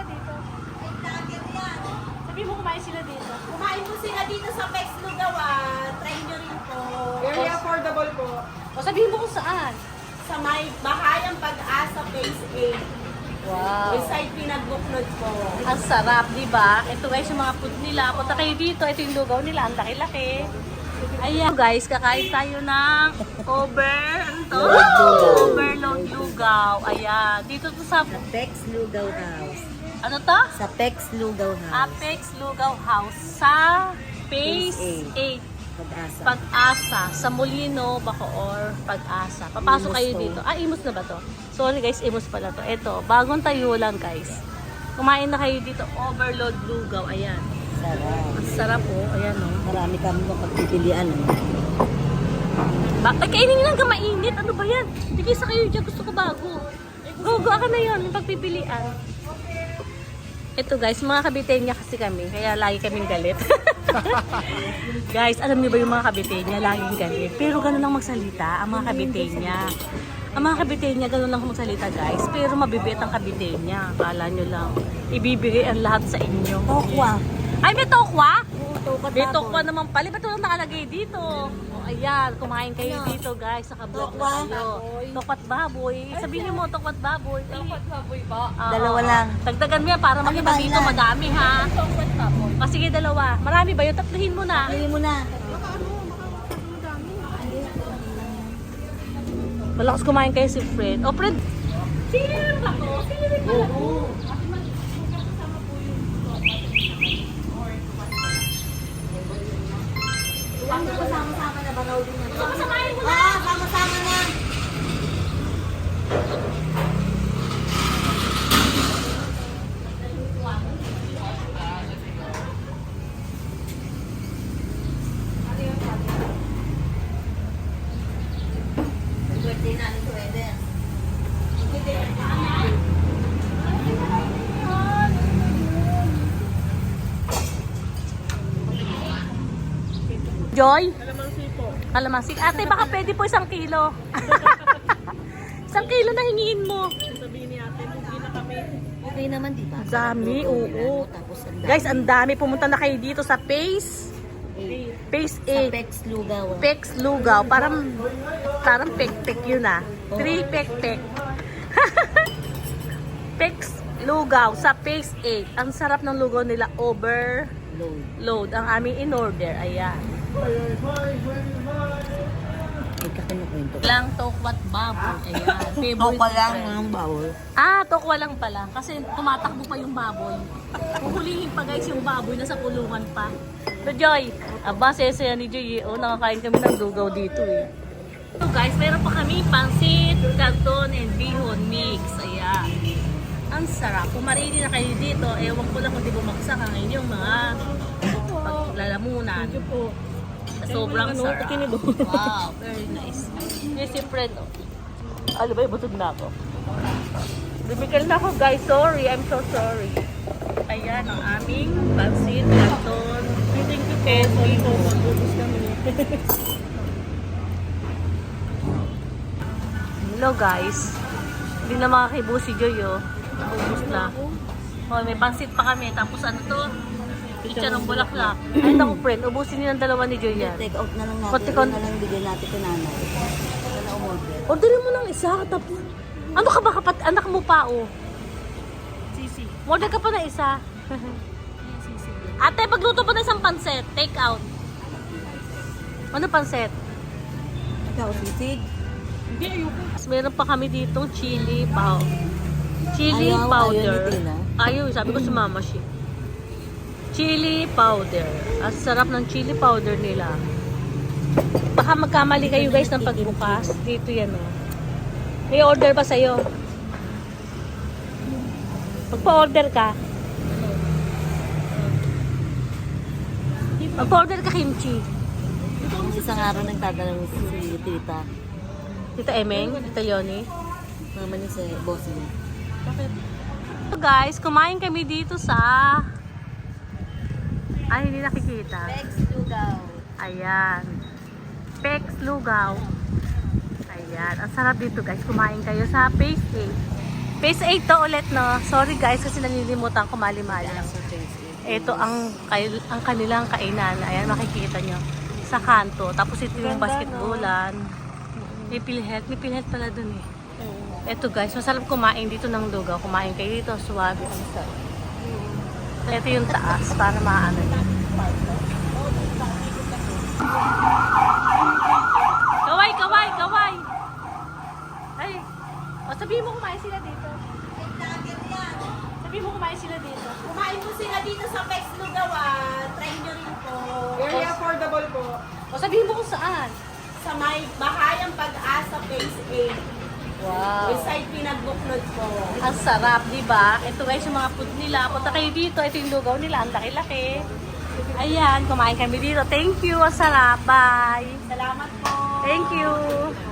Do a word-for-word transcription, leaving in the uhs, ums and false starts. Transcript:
dito. Sabi mo kumain sila dito. Kumain po sila dito sa Pex Lugawan. Try nyo rin po. Very affordable po. O sabihin mo kung saan. Sa may Bahayang Pag-asa Phase eight. Wow. Beside Pinagbuklod po. Ang sarap, di ba? Ito guys, yung mga food nila. Punta kayo dito. Ito yung lugaw nila. Ang laki-laki. Ayan guys, kakain tayo ng over, ano to? Overload lugaw. Ayan. Dito to sa, Pex Lugaw House. ano to? Sa Pex Lugaw Apex Lugaw House sa Phase Phase eight. Pag-asa. Pag-asa. Sa Molino, Bacoor, Pag-asa. Papasok Imus kayo to. dito. Ah, Imus na ba to? Sorry guys, Imus pala to. Ito, bagong tayo lang guys. Kumain na kayo dito. Overload lugaw. Ayan. Sarap. Ang sarap oh. Ayan oh. Marami kami pagpipilian. Bakit kainin nyo lang ka mainit? Ano ba yan? Hindi kayo sa kayo dyan. Gusto ko bago. Go, go ka na yun. Yung pagpipilian. Ito guys, mga kabitenya kasi kami. Kaya lagi kaming galit. Guys, alam niyo ba yung mga kabitenya? Laging galit. Pero ganun lang magsalita ang mga kabitenya. Ang mga kabitenya, ganun lang magsalita guys. Pero mabibit ang kabitenya. Kala nyo lang. Ibibigay ang lahat sa inyo. Tokwa. Ay, may tokwa? Tokwa May tokwa naman pala. Ba't walang nakalagay dito? O, ayan, kumain kayo Ano? dito guys. Naka-vlog Tokwa. na kayo. Tokwat baboy. Sabihin mo, tokwat baboy. Tokwat baboy ba? Dalawa lang. Dagdagan mo yan para makita ba, dito ilan? madami ha. Tokwat baboy. O sige, dalawa. Marami ba yun? Tatluhin mo na. Pili mo na. Malakas kumain kayo si Fred. O Fred, sinirin ba to? Sinirin pala to. Ilang ko sama-sama na ba raw din yan? Kasamahin mo na. Ah, sama-sama na. Birthday na nito, Eden. Joy? Kalamansi po. Kalamansi. Ate, baka pwede po isang kilo. Isang kilo na hingiin mo. Sabihin ni ate, hindi na kami. Okay naman, di ba? Dami, oo. Tapos ang dami. Guys, ang dami. Pumunta na kayo dito sa Phase. Phase Sa eight. Pex Lugaw. Pex Lugaw. Parang, parang pek-pek yun ah. Three pek-pek. Pex Lugaw sa Phase eight. Ang sarap ng lugaw nila. Overload. Load. Ang aming in-order. Ayan. May kakinukwento. Lang tokwat baboy. Ayan. Favorite Tokwa lang friend. ng bawal. Ah, tokwa lang pala. Kasi tumatakbo pa yung baboy. Huhulihin pa guys yung baboy na sa kulungan pa. So Joy, aba sesaya ni Joy. Oh, nakakain kami ng lugaw dito eh. So guys, meron pa kami pansit, canton, and bihon mix. Ayan. Ang sarap. Kung marili na kayo dito, ewan ko lang kung di bumagsak ang inyong mga paglalamunan. Sobrang sarap. Wow, very nice. Yes, si Fred. Oh. Ano ba, busog na ako. Bumikal na ako guys, sorry. I'm so sorry. Ayan ang aming pansit, canton, and bihon. Hello guys. Hindi na makakibo si Joy oh. Naubos na. Oh, may pansit pa kami. Tapos ano to? Pizza ng bulaklak. Ay, naku friend. Ubusin niyo ng dalawa ni Joy yan. Take out na lang natin. Konti- Konti konti. na lang bigyan natin kay nanay. Ito na umorder. Orderin mo ng isa. Tapos, ano ka ba kapat? Anak mo pa oh. Sisi. Order ka pa na isa. Ate, pagluto pa na isang pansit. Take out. Ano pansit? Ikaw, sisig. Hindi, ayoko. Meron pa kami dito chili pow. Chili Ayaw, powder. ayaw ni Tina. Ayaw, sabi ko sumama siya. Chili powder. Ang sarap ng chili powder nila. Baka magkamali kayo guys ng pagbukas. Dito yan oh. May order ba sa'yo? Magpa-order ka. Magpa-order ka kimchi. Isang araw nagtatanong si tita. Tita Emeng, Tita Yoni. Mama niya si boss niya. So guys, kumain kami dito sa... Ay, hindi nakikita. Pex Lugaw. Ayan. Pex Lugaw. Ayan. Ang sarap dito guys. Kumain kayo sa Phase eight. Phase eight to ulit, no? Sorry guys, kasi nalilimutan ko mali-mali. Ito ang, kay- ang kanilang kainan. Ayan, makikita nyo. Sa kanto. Tapos ito yung Ganda, basketballan. May PhilHealth. May PhilHealth pala dun eh. Ito guys, masarap kumain dito ng lugaw. Kumain kayo dito, suwabe. Ang sarap. Ito yung taas para maano nyo. Kaway, kaway, kaway! Ay, o sabihin mo kumain sila dito. Sabihin mo kumain sila dito. Kumain po sila dito sa Pex Lugawan. Try nyo rin po. Very affordable po. O sabihin mo kung saan. Sa may Bahayang Pag-asa Phase eight. Wow. Beside Pinagbuklod po. Ang sarap, di ba? Ito guys, yung mga food nila. Punta kayo dito. Ito yung lugaw nila. Ang laki-laki. Ayan, kumain kami dito. Thank you. Ang sarap. Bye. Salamat po. Thank you.